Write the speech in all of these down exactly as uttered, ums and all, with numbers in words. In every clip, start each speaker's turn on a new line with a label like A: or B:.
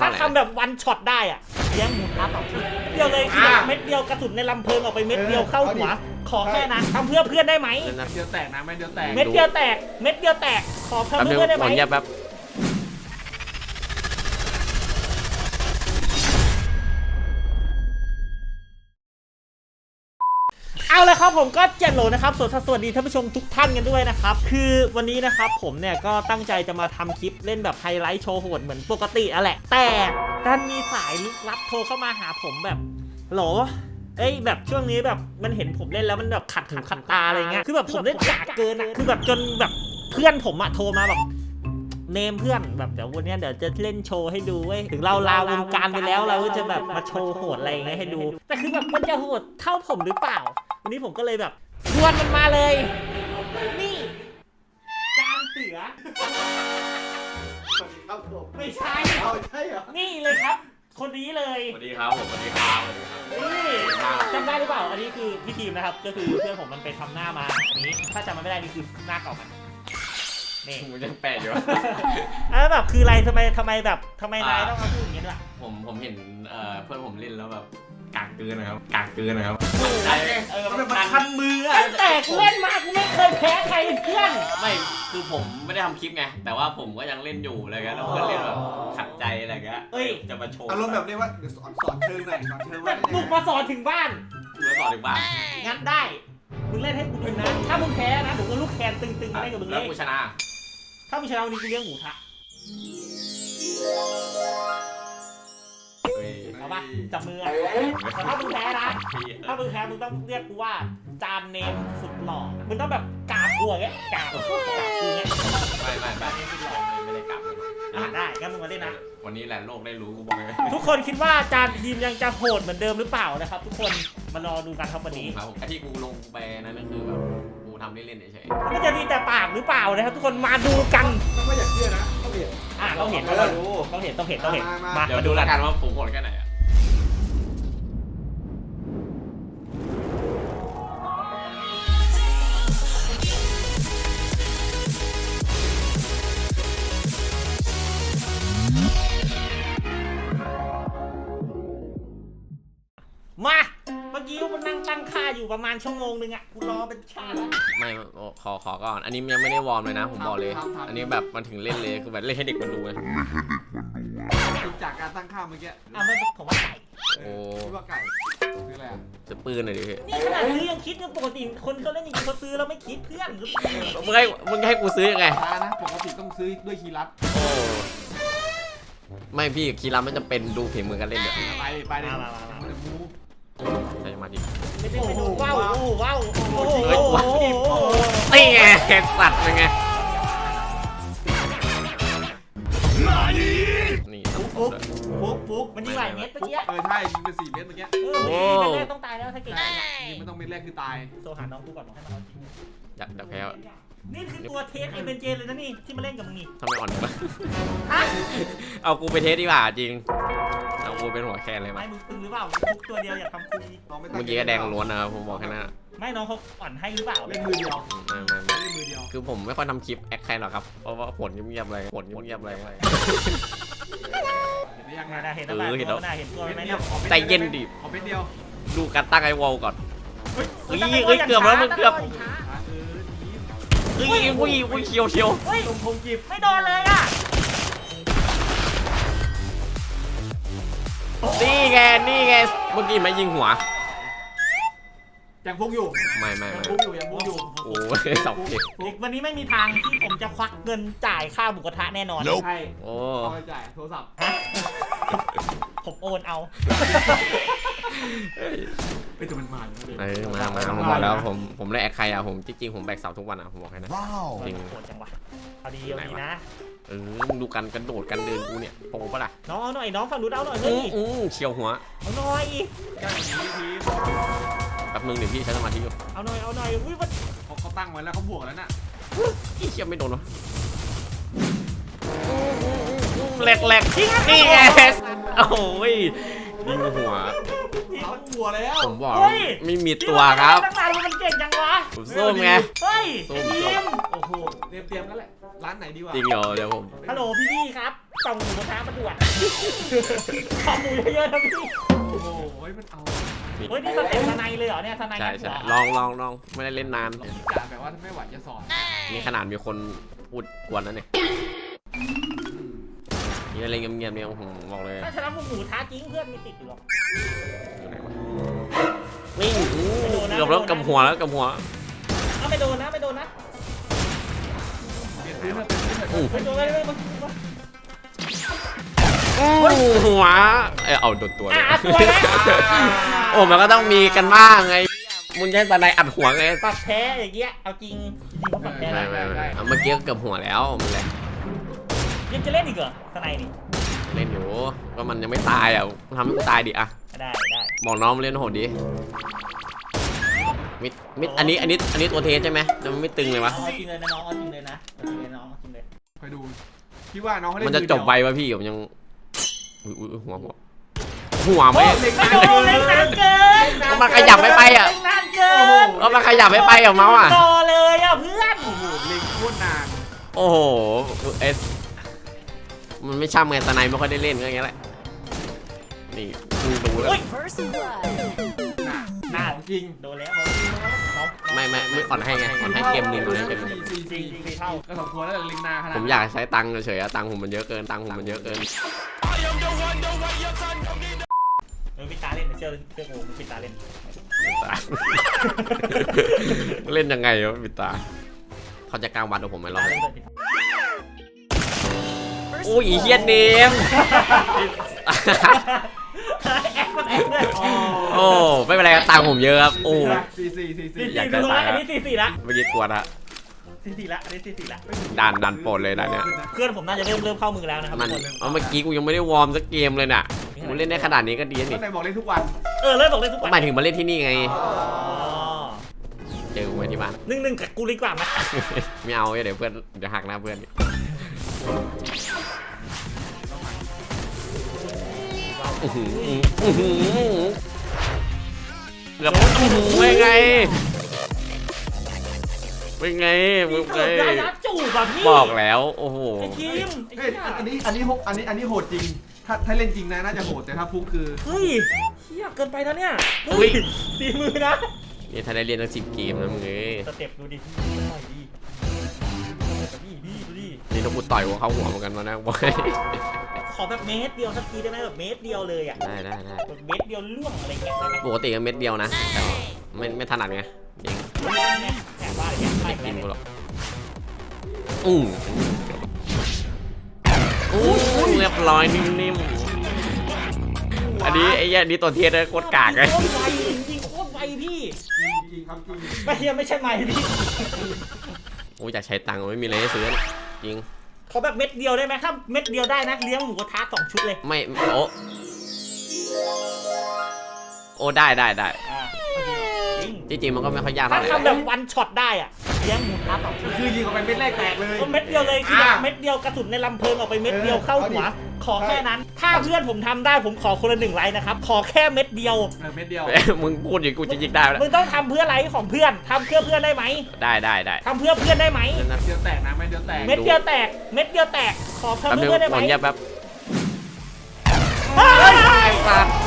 A: ารถทำแบบวันช็อตได้อะแย่งหมูท้าสองชิ้นเดียวเลยคือแบบเม็ดเดียวกระสุนในลำเพลิงออกไปเม็ดเดียวเข้าหัวขอแค่นั้นทำเพื่อเพื่อนได้ไหม
B: เดียวแตกนะไม่เดียวแตก
A: เม็ดเดียวแตกเม็ดเดียวแตกขอทำเพื่อเพื่อนได้ไหม
C: แป๊บ
A: เอาเลยครับผมก็เจ็ดโหลนะครับสวัสดีท่านผู้ชมทุกท่านกันด้วยนะครับคือวันนี้นะครับผมเนี่ยก็ตั้งใจจะมาทำคลิปเล่นแบบไฮไลท์โชว์โหดเหมือนปกติอะแหละแต่ดันมีสายลึกลับโทรเข้ามาหาผมแบบโหลเอ้ยแบบช่วงนี้แบบมันเห็นผมเล่นแล้วมันแบบขัดหูขัดตาอะไรเงี้ยคือแบบผมเล่นกากเกินอะคือแบบจนแบบเพื่อนผมอะโทรมาแบบเนมเพื่อนแบบเดี๋ยววันนี้เดี๋ยวจะเล่นโชว์ให้ดูเว้ยถึงเราลาวงการไปแล้วเราก็จะแบบมาโชว์โหดอะไรอย่างเงี้ยให้ดูแต่คือแบบมันจะโหดเท่าผมหรือเปล่าวันนี้ผมก็เลยแบบชวนมันมาเลยนี่จานเสือ
B: สวัสดีครับผม
A: ไม่ใช่
B: เอาใช่เหรอ
A: นี่เลยครับ คนนี้เลย
C: สวัสดีครับผมสวัสดีครับ
A: นี่จำได้หรือเปล่าอันนี้คือพี่ทีมนะครับก็คือเพื่อนผมมันไปทำหน้ามาอันนี้ถ้าจำมันไม่ได้นี่คือหน้าเก่ามันนี่
C: ผมยังแปลกอยู่
A: แล้วแบบคืออะไรทำไมทำไมแบบทำไมนายต้องมาพูดอย่างนี้ด้วย
C: ผมผมเห็นเอ่อเพื่อนผมเล่นแล้วแบบกากเกินนะครับกากเกินนะครับ
B: เออมันมันคันมืออะ
A: ตั้งแต่กูเล่นมากูไม่เคยแพ้ใครเพื่อน
C: ไม่คือผมไม่ได้ทำคลิปไงแต่ว่าผมก็ยังเล่นอยู่อะไรเงี้ยแล้วเพื่อนเล่นแบบขัดใจอะไรเงี้ยจะมาโชว์
B: อารมณ์แบบนี้ว่าเดี๋ยวสอนสอนเชิงหน่อยสอนเชิง
A: แบ
B: ว่า
A: บบุกมาสอนถึงบ้าน
C: เพื่อนสอนถึงบ้าน
A: งั้นได้มึงเล่นให้กูดูนะถ้ามึงแพ้นะผมก็ลูกแคนตึงๆมาเล่นกับมึงเล
C: แล้ว
A: ย
C: กูชนะ
A: ถ้ามึงชนะวันนี้กูเลี้ยงหมูทะ
C: เฮ้ย
A: เอาปะจับมืออะแต่ถ้ามึงแพ้นะถ้ามึงแพ้มึงต้องเรียกกูว่าจานเนมสุดหล่อมึงต้องแบบกราบกูอย่างเงี้ยกราบกราบกูอย่างเงี้ย
C: ไม่ไม่ไม่ไม่ได้กลับ
A: อ่ะได้งั้นมึงมาเล่นนะ
C: วันนี้แหละโลกได้รู้กูบอกเลย
A: ทุกคนคิดว่าจานทีมยังจะโหดเหมือนเดิมหรือเปล่านะครับทุกคนมารอดูกันครับวันนี้
C: ครับไอ้ที่กูลงไปนั่นก็คือแบบกูทำเล่นๆเฉย
A: มันจะมีแต่ปากหรือเปล่านะครับทุกคนมาดูกัน
B: ต้องไม่อยากเชื่อนะต้องเห็น
A: อ่ะต้องเห็นต้องเห็นต้องเห็นต้องเห็นต้องเห็นมา
C: ๆเดี๋ยว
A: มา
C: ดู
A: ดู
C: แล้
A: แล้ว ว
C: กั
A: กัน น
C: ว่าผมโหดแค่ไหนอะ
A: มาเมื่อกี้มันนั่งตั้งค่าอยู่ประมาณชั่วโมงนึงอ่ะกูรอเป็นชาติแล้ว
C: ไม่ขอขอก่อนอันนี้ยังไม่ได้วอร์มเลยนะผมบอกเลย อันนี้แบบมันถึงเล่นเลยคือแบบเล่นให้เด็กมันดูไง
B: จากการตั้งค่าเมื่อกี้
A: อ่ะไม่ผมว่าไก่
C: โอ้
B: คิดว่าไก่คืออะไรอ่ะ
C: จะปืนหน่อยดิพี่
A: นี่ขนาดซื้อยังคิดเนี่ยปกติคนเขาเล่นจริงๆเขาซื้อแล้วไม่คิดเพื่อน
C: มึงให้มึงให้กูซื้อยังไง
B: ช้านะปกติต้องซื้อด้วยคีย์ลัด
C: โอ้ไม่พี่คีรามันจะเป็นดูฝีมือกันเล่นเดี๋ยว
B: ไปไปเลยมันจะมู
C: ใช้สมาธิ
A: ไม่ได้ไปดูว้าวโอ้ว้าวโอ้โห
C: เฮ้ยว้าว นี่ไงสัตว์เป็นไงนี่ต้อง
B: ฟุก
A: ฟุกฟุกมันยิงหลายเม็ดเมื่อกี้
B: เออใช่ยิงไปสี่เมตรเมื่อกี้
A: เออเม็ดแรกต้องตายแล้วถ้าเก่ง
B: ยิงไม่ต้องเม็ดแรกคือตาย
A: โทรหาน้องกูก่อนบอกให้มาเอาจริง
C: อยากจะแพ้
A: นี่คือตัวเทสเอเบนเจเลยนะนี่ที่มาเล่นกับมึงนี่
C: ทำไมอ่อนวะ
A: ฮะ
C: เอากูไปเทสดีกว่าจริงเอากูเป็นหัวแคนเลย
A: ไม่
C: มั้ย
A: มึงตึงหรือเปล่าฟุกตัวเดียวอยากทำคุย
C: เมื่อกี้ก็แดงล้วนนะครับผมบอกแค่นั้น
A: ไม่น้องเขาอ่อนให้หรือเปล่า
B: เล่นมือเดียว
C: ไม่ไม่ไม่
B: เล่นมือเดียว
C: คือผมไม่ค่อยทำคลิปแอคใครหรอกครับ เพราะว่าผลเงียบๆอะไรผลเงียบๆอะไร
B: เห็นได้ยังไง
A: น่าเห็นแล้วน่าเห็นแล้วน่าเห็นตัวไหมเนี่ย
C: ใจเย็นดิ
B: ขอเป็นเดียว
C: ดูการตั้งไอวอลก่อนเฮ้ยเฮ้ยเกือบแล้วมันเกือบ
B: เออทีม
C: เฮ้ยอุ้ยอุ้ยเชียวเชียว
A: เฮ้ย
B: ตรงพงกีบ
A: ไม่โดนเลยอ่ะ
C: นี่ไงนี่ไงเมื่อกี้ไม่ยิงหัว
B: ยังพงอยู่
C: ไม่ไม่
B: ยัง
C: ไม่
B: พงอยู่ยังพงอยู่
C: โอ้ยสองเจ็ด
A: วันนี้ไม่มีทางที่ผมจะควักเงินจ่ายค่าหมูกระทะแน่นอน
B: ใช่
C: โอ้
B: เอาไปจ่ายโทรศัพท์
A: ฮะผมโอนเอา
B: ไปแต่มันมาเลย
C: เออมามาผมบอกแล้วผมผมเล่นแอคใครอะผมจริงๆผมแบกเสาทุกวันอะผมบอกให้นะ จริง
A: โหดจังวะเอาดีเอาดีนะ
C: เออมึงดูกันกระโดดกันเดินกูเนี่ยโปปะล่ะ
A: น้องเอาหน่อยน้องฝั่งนู้นเอาหน่อย
C: อื
A: เฮ้ย
C: ออือเฉียวหัว
A: เอาหน่อย
B: แก้ทีที
C: แป๊บนึงเดี๋ยวพี่ใช้สมาธิอยู่
A: เอาหน่อยเอาหน่อยอุ้ยมัน
B: เขาเขาตั้งไว้แล้วเขาบวกแล้วน่ะ
C: อีเชี่ยไม่โดนวะแหลกแหลกนี่ไงโอ้ย
D: ยิงหัว
B: เอาหัวแล้ว
D: ผมบอก
A: เฮ้ย
D: ไม่มีตัวครับ
A: ตั้งนานมันเก่งจังวะ
D: ผมส้มไง
A: เฮ้ย
D: ส้ม
A: ทีม
B: โอ้โหเตรียมเตรียมแล้วแหละร้านไหนดีวะ
D: จริงเหรอเดี๋ยวผม
A: ฮัลโหลพี่พี่ครับส่งหมูกระทะมาด่วนขอหมูเยอะๆนะพี่
B: โอ้โหมันเอา
A: เฮ้ยนี่สเต็ปสไนเลยเหรอเนี่ยสไน
D: ใช่
A: งัด
D: ใช่
A: หัว
D: ลองลองลองไม่ได้เล่นนาน
B: จ่าแบบว่าถ้าไม่ไหวจะสอน
D: นี่ขนาดมีคนพูดกวนแล้วเนี่ยนี่อะไรเงียบๆเนี่ยผมบอกเลย
A: ถ้าชนะพวกหมูท้าจริงเพื่อนไม่ติดอยู่หรอก
D: อยู่ไหนวะวิ่ง
A: ไม่โดนนะ
D: เกือบแล้วกับหัวแล้วกับหัว
A: เอาไม่โดนนะไม่โดนนะ
B: เปลี่ยนพื้นเถอะเปลี่ยนพื้นเถอะ
A: ไม่โดนไม่โดนไม่โดน
D: อู้หัวเอยเอาโดนตัวเลย
A: อ่ะตัวแล้ว
D: โอ้มันก็ต้องมีกันบ้างไงมึงใช้สไนอัดหัวไง
A: ปรับแพ้อย่างเงี้ยเอาจริงจริงเขาปรับแพ้
D: ไม่
A: ได้
D: ไม่ไม่เอาเมื่อกี้ก็เกือบหัวแล้วมันแหละ
A: ยังจะเล่นอีกเหรอสไนนี่
D: เล่นอยู่ก็มันยังไม่ตายอ่ะทำให้กูตายดิอ่ะ
A: ได้ได้
D: บอกน้องมาเล่นโหดดิมิดมิดอันนี้อันนี้อันนี้ตัวเทสใช่ไหมแต่มันไม่ตึงเลยวะ
A: เอาจริงเลยนะน้องเอาจริงเลยนะเอาจริงเลยน้องเอาจริงเลย
B: ไปดูพี่ว่าน้องเขาเล่น
D: มันจะจบไววะพี่ผมยังอุ้ยอุ้ยหัวหัวหัวไหม
B: เล็ก
A: ไม่
B: นาน
A: โดนเล่นนานเกิน
D: ก็มันขยับไม่ไปอ่ะ
A: เล่นนานเกิน
D: ก็มันขยับไม่ไปอ่ะเมาส์อ่ะ
A: รอเลยอ่ะเพื่อน
B: โอ้โหเล็กโคตรนาน
D: โอ้โหเอสมันไม่ช่ำไงสไนไม่ค่อยได้เล่นก็อย่างเงี้ยแหละนี่มึงดูแล้ว
E: First blood.
B: หนาหนาของจริง
A: โดนแล้วน้อง
D: ไม่ไม่ไม่อ่อนให้ไงอ่อนให้เกมหนึ่งอ่อนให้เกมหนึ่ง
B: สี่
A: จริ
B: สี่
A: งจริงเท่า
B: ก็สมควรแล้วลิงนาขนาด
D: ผมอยากใช้ตังค์เฉยๆอะตังค์ผมมันเยอะเกินตังค์ผมมันเยอะเกิน
A: เออพี่ตาเล่นเชื่อเชื่อกูพี่ตาเล่น
D: เล่นยังไงวะปิดตาเขาจะกลางวัดกับผมไหมรอบ
A: ตา
D: นี้
A: เล่นเลย
E: First
D: โอ้ยอีเฮียเนม
A: แอคมันแอคเลย
D: โอ้ไม่เป็นไรครับตังค์ผมเยอะครับโอ้
B: สี่สี่สี่สี่
A: สี่
D: อยาก
A: สี่
D: จะ
A: ดู
D: ตาย
A: ละอันนี้สี่สี่ละ
D: เมื่อกี้กลัวนะ
A: สี่สี่ละอันนี้สี่สี่ละ
D: ดันดันโปรดเลยนะเนี่ย
A: เพื่อนผมน่าจะเริ่มเริ่มเข้ามือแล้วนะครับ
D: มัน
A: ทุกคน
D: เอาเมื่อกี้กูยังไม่ได้วอร์มสักเกมเลยน่ะกูเล่นได้ขนาดนี้ก็ดี
B: ก็
D: นี่
B: ไหนบอกเล่นทุกวัน
A: เออเริ่มบอกเล่นทุก
D: ก็
A: วัน
D: หมายถึงมาเล่นที่นี่ไง
A: อ๋อ
D: เจอกูไว้ที่บ้าน
A: หนึ่งหนึ่งกับกูดีกว่าไหม
D: ไม่เอาเดี๋ยวเพื่อนเดี๋ยวหักหน้าเพื่อนอื้อหืออื้อหือเกือบอื้อหือเป็นไงเป็นไงมึ
A: พี่
D: ง
A: เกิ
D: ไง
A: ดได้ยัดจูบอ่ะพี่
D: บอกแล้วโอ้โห
A: ไอ้ทีมไอ้
B: เฮ้ย
A: เหี้ย
B: อันนี้อันนี้โหอันนี้อันนี้โหดจริง ถ้าถ้าเล่นจริงนะน่าจะโหดแต่ถ้าฟุกคือ
A: เฮ้ยเชี่ยเกินไปแล้วเนี่ยเฮ้ยตีมือนะ
D: นี่ถ้าได้เรียนตั้งสิบเกมนะมึงเอ้ย
A: สเต็ปดูดิพี่หน่อยดิพี่พี่ดูดิ
D: นี่ถ้ากูต่อยหัวเข้าหัวเหมือนกันมานะบอย
A: ขอแบบเมตรเดียวสักทีได้ไหมแบบเมตรเดียวเลยอ่ะ
D: ได้ได้ได้
A: แบบเมตรเดียวล่วงอะไรเงี้ยได้ไหม
D: ปกติก็เม็ดเดียวนะแต่ว่าไม่ไม่ถนัดไงจริง
A: แอบว่าอะไรเงี้ย
D: ไม่
A: ไม่
D: กิน
A: กิน
D: กูหรอกอืออู้เรียบร้อยนิ่มๆอันนี้ไอ้เหี้ยนี่ตัวเทียนเลยโคตรกากเลย
A: โคตรไวจริงๆโคตรไวพี่
B: จริงจริงครับจริง
A: ไม่เฮียไม่ใช่ไมค์พี่
D: โอ้ยอยากใช้ตังค์ไม่มีอะไรให้ซื้อเนี่ยจริง
A: ขอแบบเม็ดเดียวได้ไหมถ้าเม็ดเดียวได้นะเลี้ยงหมูกระทะสองชุดเลย
D: ไม่โอ้โอ้ได้ได้ได้
A: อ่าจริง
D: จริงๆมันก็ไม่ค่อยยาก
A: ถ้า
D: เท่าไหร่
A: ทำแบบวันช็อตได้อ่ะเลี้ยงหมูกระทะสองชุด
B: คือยิงออกไปเม็ดแรกแตกเลย
A: ก็เม็ดเดียวเลยคือแบบ
B: อ่ะ
A: เม็ดเดียวกระสุนในลำเพลิงออกไปเม็ดเดียว
B: เออ
A: เข้าหัว
B: เอาดิ
A: ขอแค่นั้น ถ้าเพื่อนผมทำได้ผมขอคนละหนึ่งไลค์นะครับขอแค่เม็ดเดียว
B: เออเม็ดเดียว
D: เอ้ยมึงพูดอย่างกูจะยิงได้แล้ว
A: มึงต้องทำเพื่อไลค์ของเพื่อนทำเพื่อเพื่อนได้ไหม
D: ได้ได้ได้
A: ทำเพื่อเพื่อนได้ไหม
B: เม็ดเดียวแตกนะเม็ดเดียวแตก
A: เม็ดเดียวแตกเม็ดเดียวแตกขอ
D: แป๊บ
A: ทำ
D: นึ
A: เพื่
D: ง
A: อเพื่อนได้ไห
D: ข
A: ม
D: อเงียบแป๊บ
A: เฮ้ย
D: ไอ้สัตว์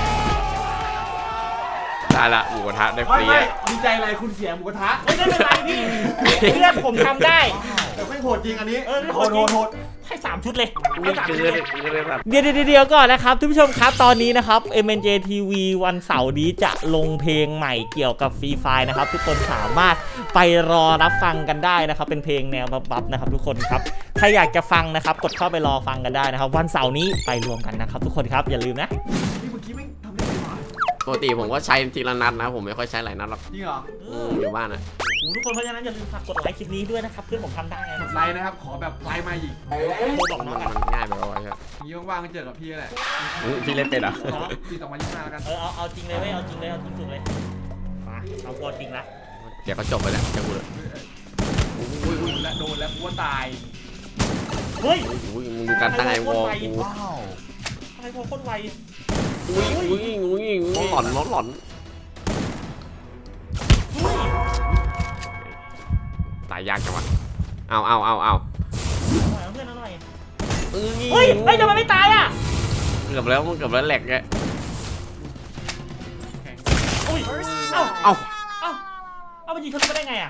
D: ได้ละหมูกระทะได้ฟ
B: ไม่
D: รี
B: ไม่
D: อะ
B: ดีใจอะไรคุณเสียหมูกระทะ
A: ไม่ได้เป็นไรพี่เพื่อนผมทำได้
B: แต่ไม่โหดจริงอันนี้
A: เออไม่โห
B: โห
A: ด
B: ด
A: จริง
B: โหดโหด
A: ให้สามชุดเลย
D: กู
A: ให้สาม
D: เกิ
A: ชุด
D: น
A: เลย
D: กูเลยแบบ
A: เดี๋ยวเดี๋ยวก่อนนะครับทุกผู้ชมครับตอนนี้นะครับ เอ็ม เอ็น เจ ที วี วันเสาร์นี้จะลงเพลงใหม่เกี่ยวกับฟรีไฟนะครับทุกคนสามารถไปรอรับฟังกันได้นะครับเป็นเพลงแนวบัฟๆนะครับทุกคนครับใครอยากจะฟังนะครับกดเข้าไปรอฟังกันได้นะครับวันเสาร์นี้ไปรวมกันนะครับทุกคนครับอย่าลืมนะ
B: นี่เมื่อกี้ไม่ทำได้ไงวะ
D: ปกติผมก็ใช้ทีละนัดนะผมไม่ค่อยใช้หลายนัดหรอก
B: จริงเหรอ
D: อืมอยู่บ้านอะ
A: โอ้โหทุกคนเพราะฉะนั้นอย่าลืมฝากกดไลค์คลิปนี้ด้วยนะครับเพื่อนผมทำได้ไง
B: กดไลค์นะครับขอแบบไลค์มาอีก
A: โทรบอก
D: มัน
A: น้องกัน
D: มันง่ายไปแล้วใช่ไหม
B: อย่างนี้ว่างๆก็เจอกับพี่แหละ
D: อืมพี่เล่นเป็นเหรอ
A: เนาะ
B: ปีสองพันยี่สิบห้าแล้วกัน
A: เออเอาเอาจริงเลยเว้ยเอาจริงเลยเอาจริงสุดเลยมาเอาตัวจริงละ
D: เดี๋ยวก็จบไปแล้วจะพูดเลย
B: อุ้ยอุ้ยและโดนแล้วกูว่าตาย
A: เฮ้ย
D: อุ้ยมึงดูการตั้งไอวอลกู
A: ทำไมพอโคตรไว
D: อุ้ยอุ้ยอุ้ยอุ้ยหลอนหลอนหลอน
A: อุ้ย
D: ตายยากจังวะเอาเอาเอาเอา
A: หน่อยเพื่อนเอาหน่อย
D: เอ้ย
A: เฮ้ยเฮ้ยทำไมไม่ตายอ่ะ
D: เกือบแล้วมันเกือบแล้วแหลกไง
A: อุ้ยเอ้า
D: เอ้า
A: เอ้าเอามันยิงทะลุมาได้ไงอ่ะ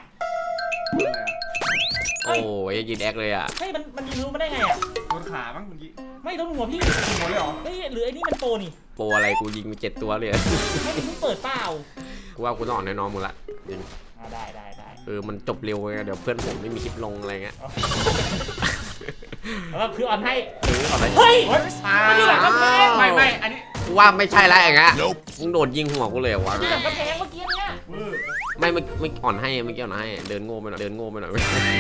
D: โอ้ยยิงแอคเลยอ่ะ
A: เฮ้ยมันมันยิงทะลุมาได้ไงอ่ะ
B: โดนขามั้งเมื่อกี้
A: ไม่โดนหัวพี่
B: หมดเลยเหรอ
A: เฮ้ยหรือไอ้นี่มันโปรนี่
D: โปรอะไรกูยิงไปเจ็ดตัวเลย
A: ให้มันเพิ่งเปิดเปล่า
D: กูว่ากูต้องอ่อนน้อยๆมึงละจริง
A: อ่าได้ได้ได้
D: เออมันจบเร็วไงเดี๋ยวเพื่อนผมไม่มีคลิปลงอะไรเงี้ย
A: แล้วก็คือออนให้
D: เออเอาไป
A: เฮ้ย
B: อ้า
A: มันอยู่หลังกำแพง
B: ไม่ไม่อันนี้
D: กูว่าไม่ใช่แล้วอย่างเงี้ยมึงโดดยิงหัวกูเลยเหรอวะ
A: อยู่หลังกำแพงเมื่อกี้เนี่ย
B: เวอร์
D: ไม่ไม่ไม่อ่อนให้ไม่เกี่ยวนะให้เดินโง่ไปหน่อยเดินโง่ไปหน่อย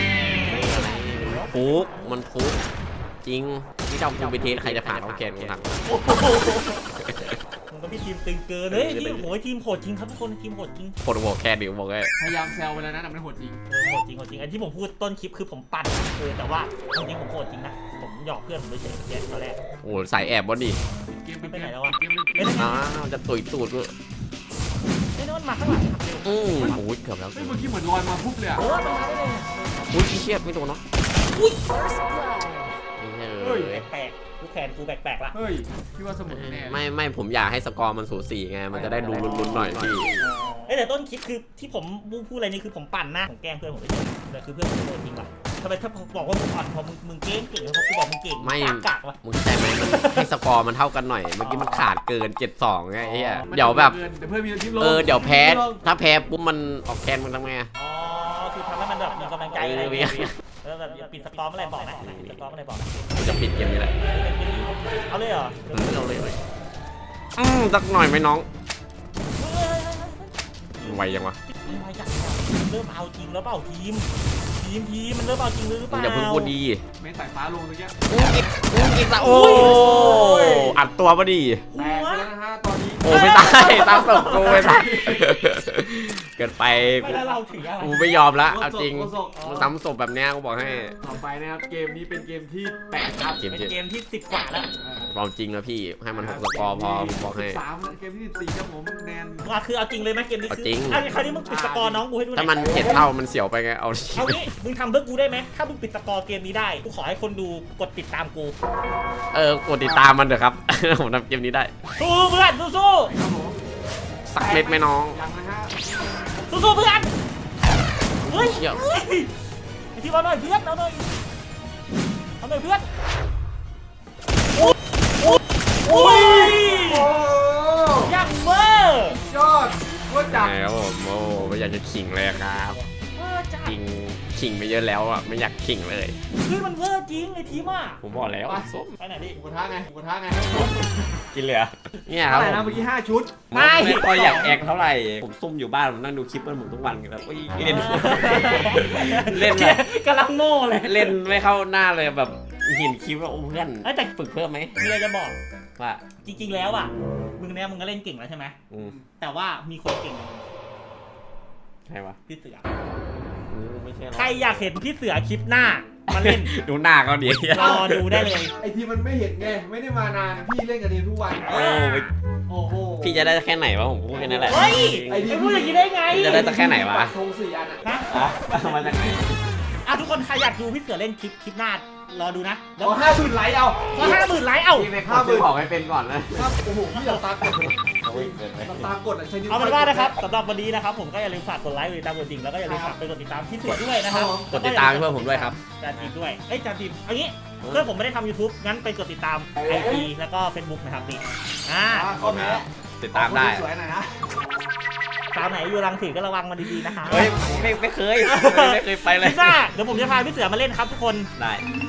D: ฟุกมันฟุกจริงที่เจ้ากูไปเทสใครจะผ่านเขาแกนกูทำ
A: โอ้โหมันก็พี่ทีมตึงเกินเฮ้ยทีมโหยทีมโหดจริงครับทุกคนทีมโหดจริง
D: คนหัวแค่ดิวบอกเลย
B: พยายามแซวไปแล้วนะแต่มันโหดจริง
A: เออโหดจริงโหดจริงอันที่ผมพูดต้นคลิปคือผมปั่นเออแต่ว่าจริงๆผมโหดจริงนะผมหยอกเพื่อนผมเฉยๆแค่ตอนแรก
D: โอ้สายแอบบอดี้
B: เกม
A: ไปไหนแล้ววะ
B: เกมเกม
D: อ้าวจะตุยตูดกู
A: ไอ้โน้นมาข้างหลังครับเร็ว
D: อืมโอ้ยเกือบแล้ว
B: เฮ้ยเมื่อกี้เหมือนลอยมาปุ๊บเลยอะ
A: เออมันมาได้เลย
D: อุ้ยเชี่ยไม่โดนเนาะ
E: First blood.
D: เฮ้ย
A: แปลกๆกูแขนกูแปลกๆละ
B: เฮ้ยพี่ว่าสมุนแน่
D: ไม่ไม่ผมอยากให้สกอร์มันสูสีไงมันจะได้ดูลุ้นๆหน่อยพี่
A: เอ้ยแต่ต้นคลิปคือที่ผมพูดอะไรนี่คือผมปั่นหน้าผมแกล้งเพื่อนผมเฉยๆแต่คือเพื่อนผมโหดจริงว่ะทำไมถ้าผมบอกว่ามึงอ่อนพอมึงมึงเก่งเก่งแล้วพอกูบอกมึงเก่ง
D: ไม่
A: กากๆวะ
D: มึงเข้าใจไหมมันให้สกอร์มันเท่ากันหน่อยเมื่อกี้มันขาดเกินเจ็ดสองไงไอ้เหี้ยเดี๋ยวแบบ
B: เดี๋ยวเพื่อนมีทีมลง
D: เออเดี๋ยวแพ้ถ้าแพ้ปุ๊บมันออกแคนมึงทำไง
A: อ๋อคือทำให้มันแบบมีกำลังใจอะไรอย่างเงี้ยแล้วแบบปิดสกอร์เมื่อไหร่บอกนะปิดสกอร์เมื่อไหร่บอกนะ
D: กูจะปิดเกมนี้แหละ
A: เอาเลยเหรอ
D: อืมเอาเลยเลยอืมสักหน่อยไหมน้องไวยังวะ
A: ไม่จัดเริ่มเอาจริงแล้วเปล่าทีม ทีมทีมมันเริ่มเอาจริงหรือเป
D: มึง
A: ล่า
D: อย่าเพิ่งพูดดี
B: ไม่สายฟ้าลงเมื่อกี้
D: อืมอีกอืมอีกละโอ้อัดตัวพอดี
B: แตกไปแล้วนะฮะตอนนี้
D: โอ้ไม่ได้ตามตบกูไม่ได้เกินไป
A: ไม่แล้วเราถืออะไร
D: กูไม่ยอมละเอาจริงมึงซ้ำศพแบบเนี้ยกูบอกให้
B: ต่อไปนะครับเกมนี้เป็นเกมที่แปดครับ
D: เกม
A: เป็น
D: ที่
A: เกมที่สิบกว่าแล้ว
D: ความจริงนะพี่ให้มันหกสกอร์พอผมบอกให้
B: สามเกมที่สิบสี่ครับผมแนน
A: ว่าคือเอาจริงเลยไหมเกมนี้
D: เอา
A: คือ
D: จริง
A: อ่ะคราวนี้มึงปิดสกอร์น้องกูให้ดูหน่อย
D: ถ้ามันเจ็ดเท่ามันเสียวไปไงเอา
A: เอางี้มึงทำเพื่อกูได้ไหมถ้ามึงปิดสกอร์เกมนี้ได้กูขอให้คนดูกดติดตามกู
D: เออกดติดตามมันเถอะครับ ผมทำเกมนี้ได้
A: สู้เพื่อนสู้สู้
B: ครับผม
D: สักเม็ดไหมน้อง
B: ยังนะฮะ
A: สู้สู้เพื่อนเฮ้ย
D: เชี่ย
A: เฮ้ยไอ้ที่เอาหน่อยเพื่อนเอาหน่อยเอาหน่อยเพื่อนโอ้ยโอ้ยโอ้ย
B: โอ้
A: ยังเวอร์
B: ยอดว่าจัด
D: ไงครับผมโอ้ไม่อยากจะขิงเลยครับ
A: เวอร์จัด
D: ขิงขิงไปเยอะแล้วอ่ะไม่อยากขิงเลย
A: เฮ้ยมันเวอร์จริงไอ้ทีมอ่ะ
D: ผมบอกแล้วส้ม
A: ไปไหนดิ
B: หมูกระทะไงหมูกระทะไง
D: กินเลยอะเนี่ยครั
B: เท่า
D: บ
B: ไหร่
D: ผ
B: นะ
D: ม
B: เมื่อกี้ห้าชุด
A: ไม่
D: ไม่ค่อยอยากแอคเท่าไหร่ผมซุ่มอยู่บ้านผมนั่งดูคลิปมันผมทุกวันแล้วอุ้ยเล่น เล่นแบบ
A: กำลังโง่เลย
D: เล่นไม่เข้าหน้าเลยแบบเห็นคลิปแล้วโอ้เพื่อน
A: เอ้ยแต่
D: ฝึกเพิ่มไหม
A: มีอะไรจะบอก
D: ว่า
A: จริงๆแล้วอ่ะมึงเนี่ยมึงก็เล่นเก่งแล้วใช่ไหม
D: อืม
A: แต่ว่ามีคนเก่งกว่ามึง
D: ใช่ปะ
A: พี่เสือ
D: อืมไม่ใช่หรอก
A: ใครอยากเห็นพี่เสือคลิปหน้ามาเล่น
D: ดูหน้าเขาดี
A: รอดูได้เลย
B: ไอทีมันไม่เห็นไงไม่ได้มานานพี่เล่นกับทีมทุกวัน
D: โอ้ย
B: โอ้โห
D: พี่จะได้แค่ไหนวะผมพูดแค่นั้นแหละ
A: เฮ้ย
B: ไอ้
A: ไอ้พูดอย่างนี้ได้ไง
D: จะได้แต่แค่ไหนวะ
B: ธงสี่อันอะ
A: ฮะ
D: อ่ะมาจากไหน
A: อ่ะทุกคนใครอยากดูพี่เสือเล่นคลิปคลิปหน้ารอดูนะแล้ว
B: เอาห้าหมื่นไลค์เอา
A: ก็ห้าหมื่นไลค์เอ้า
D: พี่ไปขอซื้อของให้เป็นก่อนนะ
B: ครับโอ้โหพี่เราตามกด
D: โอ้ยเกินไป
B: เราตามกดอะใช้นิ้ว
A: เอาเป็นว่านะครับสำหรับวันนี้นะครับผมก็อย่าลืมฝากกดไลค์กดติดตามกดจริงแล้วก็อย่าลืมฝากไปกดติดตามพี่เสือด้วยนะครับ
D: กดติดตามเพื่อนผมด้วยครับ
A: จานทีมด้วยเอ้ยจานทีมเอางี้เพื่อนผมไม่ได้ทำ ยูทูบ งั้นไปกดติดตาม ไอ จี แล้วก็ เฟซบุ๊ก นะครับนี่อ่า
B: อ่าข้อแม้
D: ติดตามได้
B: สวยหน่อยนะ
A: สาวไหนอยู่รังสีก็ระวังมันดีๆนะคะ
D: เฮ้ยไม่ไม่เคยไม่เคยไปเลย
A: พิซซ่าเดี๋ยวผมจะพาพี่เสือมาเล่นครับทุกคน
D: ได้
A: อ